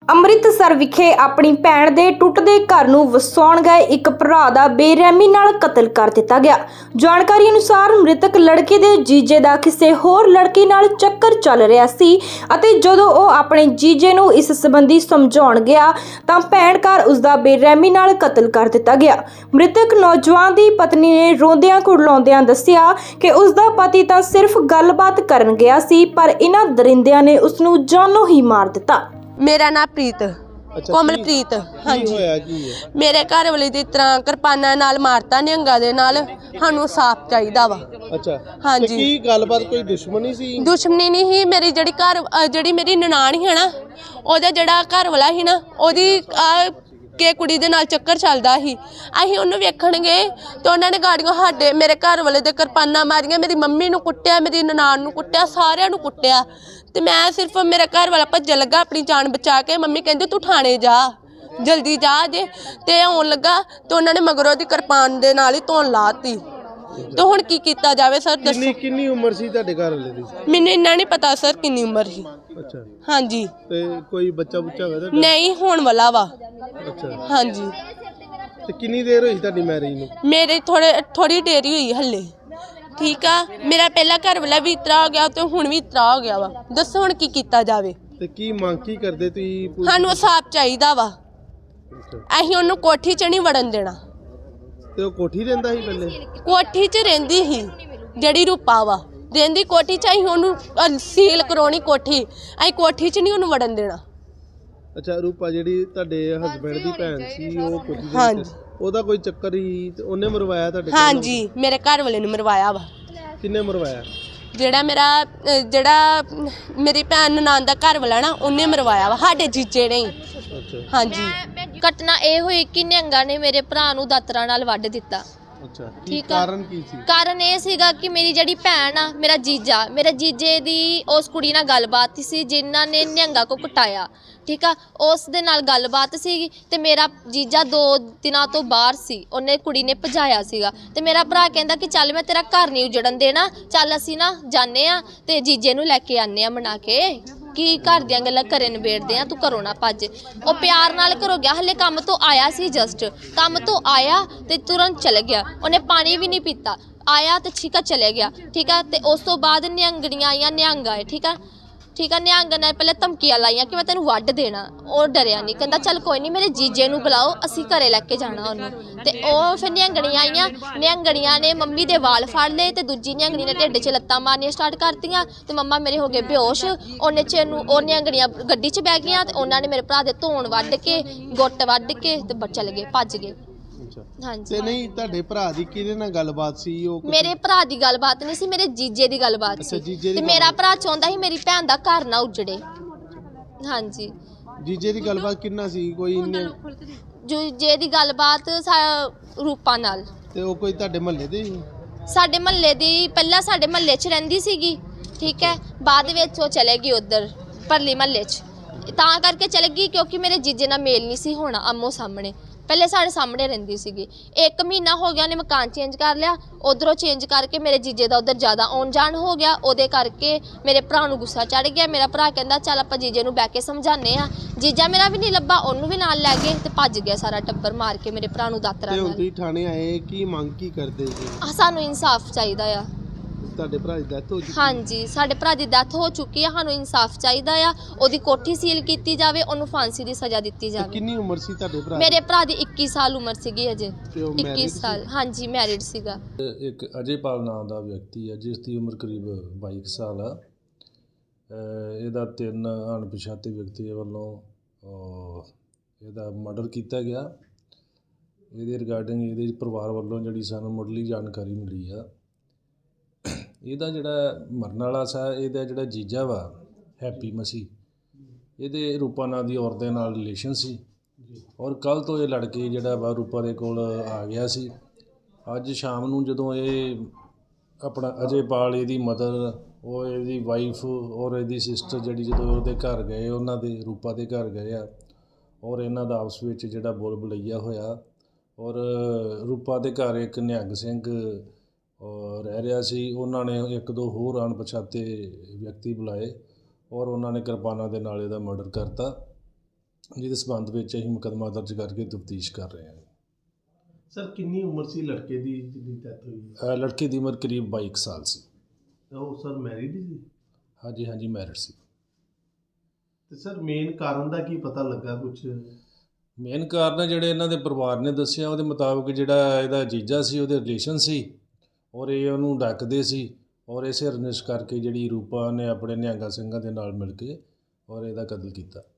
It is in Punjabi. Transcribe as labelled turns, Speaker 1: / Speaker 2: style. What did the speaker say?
Speaker 1: ਅੰਮ੍ਰਿਤਸਰ ਵਿਖੇ ਆਪਣੀ ਭੈਣ ਦੇ ਟੁੱਟਦੇ ਘਰ ਨੂੰ ਵਸਾਉਣ ਗਏ ਇੱਕ ਭਰਾ ਦਾ ਬੇਰਹਿਮੀ ਨਾਲ ਕਤਲ ਕਰ ਦਿੱਤਾ ਗਿਆ। ਜਾਣਕਾਰੀ ਅਨੁਸਾਰ ਮ੍ਰਿਤਕ ਲੜਕੇ ਦੇ ਜੀਜੇ ਦਾ ਕਿਸੇ ਹੋਰ ਲੜਕੀ ਨਾਲ ਚੱਕਰ ਚੱਲ ਰਿਹਾ ਸੀ ਅਤੇ ਜਦੋਂ ਉਹ ਆਪਣੇ ਜੀਜੇ ਨੂੰ ਇਸ ਸੰਬੰਧੀ ਸਮਝਾਉਣ ਗਿਆ ਤਾਂ ਭੈਣ ਘਰ ਉਸ ਦਾ ਬੇਰਹਿਮੀ ਨਾਲ ਕਤਲ ਕਰ ਦਿੱਤਾ ਗਿਆ। ਮ੍ਰਿਤਕ ਨੌਜਵਾਨ ਦੀ ਪਤਨੀ ਨੇ ਰੋਂਦਿਆਂ ਕੁਰਲਾਉਂਦਿਆਂ ਦੱਸਿਆ ਕਿ ਉਸ ਦਾ ਪਤੀ ਤਾਂ ਸਿਰਫ ਗੱਲਬਾਤ ਕਰਨ ਗਿਆ ਸੀ ਪਰ ਇਹਨਾਂ ਦਰਿੰਦਿਆਂ ਨੇ ਉਸ ਨੂੰ ਜਾਨੋਂ ਹੀ ਮਾਰ ਦਿੱਤਾ।
Speaker 2: मेरा नाम प्रीत कोमलप्रीत। हाँ जी, मेरे घर वाले ਦੀ ਤਰ੍ਹਾਂ ਕਿਰਪਾਨਾਂ ਨਾਲ ਮਾਰਤਾ ਨਿਹੰਗਾਂ ਦੇ ਨਾਲ। ਸਾਨੂੰ ਸਾਫ ਚਾਹੀਦਾ ਵਾ।
Speaker 3: ਅੱਛਾ,
Speaker 2: हाँ
Speaker 3: ਤੇ
Speaker 2: जी,
Speaker 3: ਕੀ ਗੱਲਬਾਤ ਕੋਈ ਦੁਸ਼ਮਣੀ ਸੀ?
Speaker 2: ਦੁਸ਼ਮਣੀ ਨਹੀਂ ਸੀ। ਮੇਰੀ ਜਿਹੜੀ ਮੇਰੀ ਨਨਾਣ ਸੀ ਨਾ, ਉਹਦਾ ਜਿਹੜਾ ਘਰ ਵਾਲਾ ਸੀ ਨਾ, ਉਹਦੀ ਕਿ ਕੁੜੀ ਦੇ ਨਾਲ ਚੱਕਰ ਚੱਲਦਾ ਸੀ। ਅਸੀਂ ਉਹਨੂੰ ਵੇਖਣ ਗਏ ਤੇ ਉਹਨਾਂ ਨੇ ਗਾੜੀਆਂ ਸਾਡੇ ਮੇਰੇ ਘਰ ਵਾਲੇ ਦੇ ਕਿਰਪਾਨਾਂ ਮਾਰੀਆਂ। ਮੇਰੀ ਮੰਮੀ ਨੂੰ ਕੁੱਟਿਆ, ਮੇਰੀ ਨਨਾਣ ਨੂੰ ਕੁੱਟਿਆ, ਸਾਰਿਆਂ ਨੂੰ ਕੁੱਟਿਆ। ਤੇ ਮੈਂ ਸਿਰਫ ਮੇਰਾ ਘਰ ਵਾਲਾ ਭੱਜਣ ਲੱਗਾ ਆਪਣੀ ਜਾਨ ਬਚਾ ਕੇ। ਮੰਮੀ ਕਹਿੰਦੀ ਤੂੰ ਥਾਣੇ ਜਾ, ਜਲਦੀ ਜਾ ਜੇ। ਤੇ ਆਉਣ ਲੱਗਾ ਤੇ ਉਹਨਾਂ ਨੇ ਮਗਰੋਂ ਦੀ ਕਿਰਪਾਨ ਦੇ ਨਾਲ ਹੀ ਧੌਣ ਲਾਤੀ। ਤੇ ਹੁਣ ਕੀ ਕੀਤਾ ਜਾਵੇ ਸਰ ਦੱਸੋ?
Speaker 3: ਕਿੰਨੀ ਉਮਰ ਸੀ ਤੁਹਾਡੇ ਘਰ ਵਾਲੇ ਦੀ?
Speaker 2: ਮੈਨੂੰ ਇੰਨਾ ਨਹੀਂ ਪਤਾ ਸਰ ਕਿੰਨੀ ਉਮਰ ਸੀ।
Speaker 3: ਅੱਛਾ,
Speaker 2: ਹਾਂਜੀ,
Speaker 3: ਤੇ ਕੋਈ ਬੱਚਾ ਬੁੱਚਾ ਹੋਇਆ ਤੁਹਾਡਾ?
Speaker 2: ਨਹੀਂ ਹੋਣ ਵਾਲਾ ਵਾ।
Speaker 3: ਅੱਛਾ,
Speaker 2: ਹਾਂਜੀ,
Speaker 3: ਤੇ ਕਿੰਨੀ ਦੇਰ ਹੋਈ ਤੁਹਾਡੀ ਮੈਰਿਜ ਨੂੰ?
Speaker 2: ਮੇਰੇ ਥੋੜੀ ਦੇਰੀ ਹੋਈ ਹੱਲੇ। ਠੀਕ ਆ, ਮੇਰਾ ਪਹਿਲਾ ਘਰ ਵਾਲਾ ਵੀ ਇਤਰਾ ਹੋ ਗਿਆ ਤੇ ਹੁਣ ਵੀ ਇਤਰਾ ਹੋ ਗਿਆ ਵਾ। ਦੱਸੋ ਹੁਣ ਕੀ ਕੀਤਾ ਜਾਵੇ?
Speaker 3: ਤੇ ਕੀ ਮੰਗ ਕੀ ਕਰਦੇ ਤੁਸੀਂ?
Speaker 2: ਸਾਨੂੰ ਸਾਫ ਚਾਹੀਦਾ ਵਾ।
Speaker 3: ਅੱਛਾ,
Speaker 2: ਅਸੀਂ ਉਹਨੂੰ ਕੋਠੀ 'ਚ ਨਹੀਂ ਵੜਨ ਦੇਣਾ।
Speaker 3: ਤੇ ਉਹ ਕੋਠੀ ਰਹਿੰਦਾ ਸੀ ਪਹਿਲੇ?
Speaker 2: ਕੋਠੀ 'ਚ ਰਹਿੰਦੀ ਸੀ ਜਿਹੜੀ ਰੂਪਾ ਵਾ, ਰਹਿੰਦੀ ਕੋਠੀ 'ਚ। ਅਸੀਂ ਉਹਨੂੰ ਸੀਲ ਕਰਾਉਣੀ ਕੋਠੀ। ਅਸੀਂ ਕੋਠੀ 'ਚ ਨਹੀਂ ਉਹਨੂੰ ਵੜਨ ਦੇਣਾ।
Speaker 3: ਅੱਛਾ, ਰੂਪਾ ਜਿਹੜੀ ਤੁਹਾਡੇ ਹਸਬੈਂਡ ਦੀ ਭੈਣ ਸੀ, ਉਹ ਕੋਠੀ ਦੇ
Speaker 2: ਹਾਂਜੀ।
Speaker 3: ਵਿੱਚ ਉਹਦਾ ਕੋਈ ਚੱਕਰ ਹੀ ਤੇ ਉਹਨੇ ਮਰਵਾਇਆ ਤੁਹਾਡੇ ਘਰ?
Speaker 2: ਹਾਂਜੀ, ਮੇਰੇ ਘਰ ਵਾਲੇ ਨੇ ਮਰਵਾਇਆ ਵਾ।
Speaker 3: ਕਿੰਨੇ ਮਰਵਾਇਆ?
Speaker 2: ਜਿਹੜਾ ਮੇਰੀ ਭੈਣ ਨਨਾਣ ਦਾ ਘਰ ਵਾਲਾ ਨਾ, ਉਹਨੇ ਮਰਵਾਇਆ ਵਾ, ਸਾਡੇ ਜੀਜੇ ਨੇ।
Speaker 3: ਅੱਛਾ,
Speaker 2: ਹਾਂਜੀ,
Speaker 4: ਘਟਨਾ ਇਹ ਹੋਈ ਕਿ ਨਿਹੰਗਾਂ ਨੇ ਮੇਰੇ ਭਰਾ ਨੂੰ ਦਾਤਰਾ ਨਾਲ ਵੱਢ ਦਿੱਤਾ।
Speaker 3: ਅੱਛਾ, ਕੀ
Speaker 4: ਠੀਕ ਆ।
Speaker 3: ਕਾਰਨ ਕੀ ਸੀ?
Speaker 4: ਕਾਰਨ ਇਹ ਸੀਗਾ ਕਿ ਮੇਰੀ ਜਿਹੜੀ ਭੈਣ ਆ, ਮੇਰੇ ਜੀਜੇ ਦੀ ਉਸ ਕੁੜੀ ਨਾਲ ਗੱਲਬਾਤ ਸੀ ਜਿਨ੍ਹਾਂ ਨੇ ਨਿਹੰਗਾਂ ਕੋ ਕੁਟਾਇਆ। ਠੀਕ ਆ, ਉਸ ਦੇ ਨਾਲ ਗੱਲਬਾਤ ਸੀਗੀ ਤੇ ਮੇਰਾ ਜੀਜਾ 2 ਦਿਨਾਂ ਤੋਂ ਬਾਹਰ ਸੀ। ਉਹਨੇ ਕੁੜੀ ਨੇ ਭਜਾਇਆ ਸੀਗਾ ਤੇ ਮੇਰਾ ਭਰਾ ਕਹਿੰਦਾ ਕਿ ਚੱਲ ਮੈਂ ਤੇਰਾ ਘਰ ਨਹੀਂ ਉਜੜਨ ਦੇਣਾ, ਚੱਲ ਅਸੀਂ ਨਾ ਜਾਂਦੇ ਆ ਤੇ ਜੀਜੇ ਨੂੰ ਲੈ ਕੇ ਆਨੇ ਆ ਮਨਾ ਕੇ, ਕਿ ਘਰ ਦੀਆਂ ਗੱਲਾਂ ਘਰੇ ਨਿਬੇੜਦੇ ਆ, ਤੂੰ ਘਰੋਂ ਨਾ ਭੱਜ। ਉਹ ਪਿਆਰ ਨਾਲ ਘਰੋਂ ਗਿਆ। ਹਲੇ ਕੰਮ ਤੋਂ ਆਇਆ ਸੀ, ਜਸਟ ਕੰਮ ਤੋਂ ਆਇਆ ਤੇ ਤੁਰੰਤ ਚਲੇ ਗਿਆ। ਉਹਨੇ ਪਾਣੀ ਵੀ ਨਹੀਂ ਪੀਤਾ, ਆਇਆ ਤੇ ਠੀਕ ਆ ਚਲੇ ਗਿਆ। ਠੀਕ ਆ, ਤੇ ਉਸ ਤੋਂ ਬਾਅਦ ਨਿਹੰਗਣੀਆਂ ਆਈਆਂ, ਨਿਹੰਗ ਆਏ। ਠੀਕ ਆ, ਨਿਹੰਗ ਨੇ ਪਹਿਲੇ ਧਮਕੀਆਂ ਲਾਈਆਂ ਕਿ ਮੈਂ ਤੈਨੂੰ ਵੱਢ ਦੇਣਾ। ਉਹ ਡਰਿਆ ਨਹੀਂ, ਕਹਿੰਦਾ ਚੱਲ ਕੋਈ ਨਹੀਂ, ਮੇਰੇ ਜੀਜੇ ਨੂੰ ਬੁਲਾਓ, ਅਸੀਂ ਘਰੇ ਲੈ ਕੇ ਜਾਣਾ ਉਹਨੂੰ। ਤੇ ਉਹ ਫਿਰ ਨਿਹੰਗਣੀਆਂ ਆਈਆਂ। ਨਿਹੰਗਣੀਆਂ ਨੇ ਮੰਮੀ ਦੇ ਵਾਲ ਫੜ ਲਏ ਤੇ ਦੂਜੀ ਨਿਹੰਗਣੀ ਨੇ ਢਿੱਡ 'ਚ ਲੱਤਾਂ ਮਾਰਨੀਆਂ ਸਟਾਰਟ ਕਰਤੀਆਂ ਤੇ ਮੰਮਾ ਮੇਰੇ ਹੋ ਗਏ ਬੇਹੋਸ਼। ਉਹਨੇ 'ਚ ਉਹ ਨਿਹੰਗਣੀਆਂ ਗੱਡੀ 'ਚ ਬਹਿ ਗਈਆਂ ਤੇ ਉਹਨਾਂ ਨੇ ਮੇਰੇ ਭਰਾ ਦੇ ਧੌਣ ਵੱਢ ਕੇ, ਗੁੱਟ ਵੱਢ ਕੇ ਤੇ ਚਲੇ ਗਏ, ਭੱਜ ਗਏ। ਹਾਂਜੀ,
Speaker 3: ਤੇ ਨਹੀਂ ਤੁਹਾਡੇ ਭਰਾ ਦੀ ਕਿਹਦੇ ਨਾਲ ਗੱਲਬਾਤ ਸੀ? ਉਹ
Speaker 4: ਮੇਰੇ ਭਰਾ ਦੀ ਗੱਲਬਾਤ ਨਹੀਂ ਸੀ, ਮੇਰੇ ਜੀਜੇ ਦੀ ਗੱਲਬਾਤ ਸੀ। ਤੇ ਮੇਰਾ ਭਰਾ ਚਾਹੁੰਦਾ ਸੀ ਮੇਰੀ ਭੈਣ ਦਾ ਘਰ ਨਾ ਉਜੜੇ। ਹਾਂਜੀ,
Speaker 3: ਜੀਜੇ ਦੀ ਗੱਲਬਾਤ ਕਿੰਨਾ ਸੀ? ਕੋਈ
Speaker 4: ਜੀਜੇ ਦੀ ਗੱਲਬਾਤ ਰੂਪਾ ਨਾਲ।
Speaker 3: ਤੇ ਉਹ ਕੋਈ ਤੁਹਾਡੇ ਮਹੱਲੇ ਦੇ ਸੀ?
Speaker 4: ਸਾਡੇ ਮਹੱਲੇ ਦੀ, ਪਹਿਲਾਂ ਸਾਡੇ ਮਹੱਲੇ 'ਚ ਰਹਿੰਦੀ ਸੀਗੀ। ਠੀਕ ਹੈ, ਬਾਅਦ ਵਿੱਚ ਉਹ ਚਲੇ ਗਈ ਉੱਧਰ ਪਰਲੀ ਮਹੱਲੇ 'ਚ। ਤਾਂ ਕਰਕੇ ਚਲੇ ਗਈ ਕਿਉਂਕਿ ਮੇਰੇ ਜੀਜੇ ਨਾਲ ਮੇਲ ਨਹੀਂ ਸੀ ਹੋਣਾ ਆਮੋ ਸਾਹਮਣੇ। ਪਹਿਲੇ ਸਾਡੇ ਸਾਹਮਣੇ ਰਹਿੰਦੀ ਸੀਗੀ। 1 ਮਹੀਨਾ ਹੋ ਗਿਆ ਉਹਨੇ ਮਕਾਨ ਚੇਂਜ ਕਰ ਲਿਆ। ਉਧਰੋਂ ਚੇਂਜ ਕਰਕੇ ਮੇਰੇ ਜੀਜੇ ਦਾ ਉਧਰ ਜ਼ਿਆਦਾ ਆਉਣ ਜਾਣ ਹੋ ਗਿਆ। ਉਹਦੇ ਕਰਕੇ ਮੇਰੇ ਭਰਾ ਨੂੰ ਗੁੱਸਾ ਚੜ ਗਿਆ। ਮੇਰਾ ਭਰਾ ਕਹਿੰਦਾ ਚੱਲ ਆਪਾਂ ਜੀਜੇ ਨੂੰ ਬਹਿ ਕੇ ਸਮਝਾਉਂਦੇ ਆ। ਜੀਜਾ ਮੇਰਾ ਵੀ ਨਹੀਂ ਲੱਭਾ, ਉਹਨੂੰ ਵੀ ਨਾਲ ਲੈ ਗਏ ਤੇ ਭੱਜ ਗਿਆ ਸਾਰਾ ਟੱਬਰ, ਮਾਰ ਕੇ ਮੇਰੇ ਭਰਾ ਨੂੰ ਦਾਤਰਾ
Speaker 3: ਤੇ ਹੁਣ
Speaker 4: ਨਾਲ।
Speaker 3: ਤੁਸੀਂ ਥਾਣੇ ਆਏ, ਕੀ ਮੰਗ ਕੀ ਕਰਦੇ ਜੀ?
Speaker 4: ਸਾਨੂੰ ਇਨਸਾਫ ਚਾਹੀਦਾ ਆ।
Speaker 3: ਤੁਹਾਡੇ ਭਰਾ ਦੀ ਡੈਥ ਹੋ ਚੁੱਕੀ?
Speaker 4: ਹਾਂਜੀ, ਸਾਡੇ ਭਰਾ ਦੀ ਡੈਥ ਹੋ ਚੁੱਕੀ ਆ। ਸਾਨੂੰ ਇਨਸਾਫ ਚਾਹੀਦਾ ਆ। ਉਹਦੀ ਕੋਠੀ ਸੀਲ ਕੀਤੀ ਜਾਵੇ, ਉਹਨੂੰ ਫਾਂਸੀ ਦੀ ਸਜ਼ਾ ਦਿੱਤੀ ਜਾਵੇ।
Speaker 3: ਕਿੰਨੀ ਉਮਰ ਸੀ ਤੁਹਾਡੇ ਭਰਾ ਦੀ?
Speaker 4: ਮੇਰੇ ਭਰਾ ਦੀ 21 ਸਾਲ ਉਮਰ ਸੀਗੀ ਅਜੇ।
Speaker 3: ਤੇ ਉਹ
Speaker 4: 21
Speaker 3: married
Speaker 4: ਸਾਲ, ਹਾਂਜੀ ਮੈਰਿਡ ਸੀਗਾ।
Speaker 5: ਇੱਕ ਅਜੇਪਾਲ ਨਾਮ ਦਾ ਵਿਅਕਤੀ ਹੈ ਜਿਸ ਦੀ ਉਮਰ ਕਰੀਬ 22 ਸਾਲ ਆ। ਇਹਦਾ 3 ਅਣਪਛਾਤੇ ਵਿਅਕਤੀਆਂ ਵੱਲੋਂ ਇਹਦਾ ਮਰਡਰ ਕੀਤਾ ਗਿਆ। ਇਹਦੇ ਰਿਗਾਰਡਿੰਗ ਇਹਦੇ ਪਰਿਵਾਰ ਵੱਲੋਂ ਜਿਹੜੀ ਸਾਨੂੰ ਮੁੱਢਲੀ ਜਾਣਕਾਰੀ ਮਿਲੀ ਆ, ਇਹਦਾ ਜਿਹੜਾ ਮਰਨ ਵਾਲਾ ਸੀ, ਇਹਦਾ ਜਿਹੜਾ ਜੀਜਾ ਵਾ ਹੈਪੀ ਮਸੀਹ, ਇਹਦੇ ਰੂਪਾ ਨਾਂ ਦੀ ਔਰਤ ਦੇ ਨਾਲ ਰਿਲੇਸ਼ਨ ਸੀ ਔਰ ਕੱਲ੍ਹ ਤੋਂ ਇਹ ਲੜਕੇ ਜਿਹੜਾ ਵਾ ਰੂਪਾ ਦੇ ਕੋਲ ਆ ਗਿਆ ਸੀ। ਅੱਜ ਸ਼ਾਮ ਨੂੰ ਜਦੋਂ ਇਹ ਆਪਣਾ ਅਜੇਪਾਲ, ਇਹਦੀ ਮਦਰ, ਉਹ ਇਹਦੀ ਵਾਈਫ ਔਰ ਇਹਦੀ ਸਿਸਟਰ ਜਿਹੜੀ ਜਦੋਂ ਉਹਦੇ ਘਰ ਗਏ, ਉਹਨਾਂ ਦੇ ਰੂਪਾ ਦੇ ਘਰ ਗਏ ਆ ਔਰ ਇਹਨਾਂ ਦਾ ਆਪਸ ਵਿੱਚ ਜਿਹੜਾ ਬੋਲ ਬਲਈਆ ਹੋਇਆ ਔਰ ਰੂਪਾ ਦੇ ਘਰ ਇੱਕ ਨਿਹੰਗ ਸਿੰਘ ਰਹਿ ਰਿਹਾ ਸੀ। ਉਹਨਾਂ ਨੇ 1-2 ਹੋਰ ਅਣਪਛਾਤੇ ਵਿਅਕਤੀ ਬੁਲਾਏ ਔਰ ਉਹਨਾਂ ਨੇ ਕਿਰਪਾਨਾਂ ਦੇ ਨਾਲ ਇਹਦਾ ਮਰਡਰ ਕਰਤਾ। ਜਿਹਦੇ ਸਬੰਧ ਵਿੱਚ ਅਸੀਂ ਮੁਕੱਦਮਾ ਦਰਜ ਕਰਕੇ ਤਫਤੀਸ਼ ਕਰ ਰਹੇ ਹਾਂ।
Speaker 3: ਸਰ ਕਿੰਨੀ ਉਮਰ ਸੀ ਲੜਕੇ ਦੀ ਜਿਹਦੀ ਡੈਥ ਹੋਈ?
Speaker 5: ਲੜਕੇ ਦੀ ਉਮਰ ਕਰੀਬ 22 ਕੁ ਸਾਲ ਸੀ।
Speaker 3: ਉਹ ਸਰ ਮੈਰਿਡ ਸੀ?
Speaker 5: ਹਾਂਜੀ ਮੈਰਿਡ ਸੀ।
Speaker 3: ਤੇ ਸਰ ਮੇਨ ਕਾਰਨ ਦਾ ਕੀ ਪਤਾ ਲੱਗਾ ਕੁਝ?
Speaker 5: ਮੇਨ ਕਾਰਨ ਜਿਹੜੇ ਇਹਨਾਂ ਦੇ ਪਰਿਵਾਰ ਨੇ ਦੱਸਿਆ ਉਹਦੇ ਮੁਤਾਬਕ ਜਿਹੜਾ ਇਹਦਾ ਜੀਜਾ ਸੀ ਉਹਦੇ ਰਿਲੇਸ਼ਨ ਸੀ ਔਰ ਇਹ ਉਹਨੂੰ ਡੱਕਦੇ ਸੀ ਔਰ ਇਸੇ ਰੰਜਿਸ਼ ਕਰਕੇ ਜਿਹੜੀ ਰੂਪਾ ਨੇ ਆਪਣੇ ਨਿਹੰਗਾ ਸਿੰਘਾਂ ਦੇ ਨਾਲ ਮਿਲ ਕੇ ਔਰ ਇਹਦਾ ਕਤਲ ਕੀਤਾ।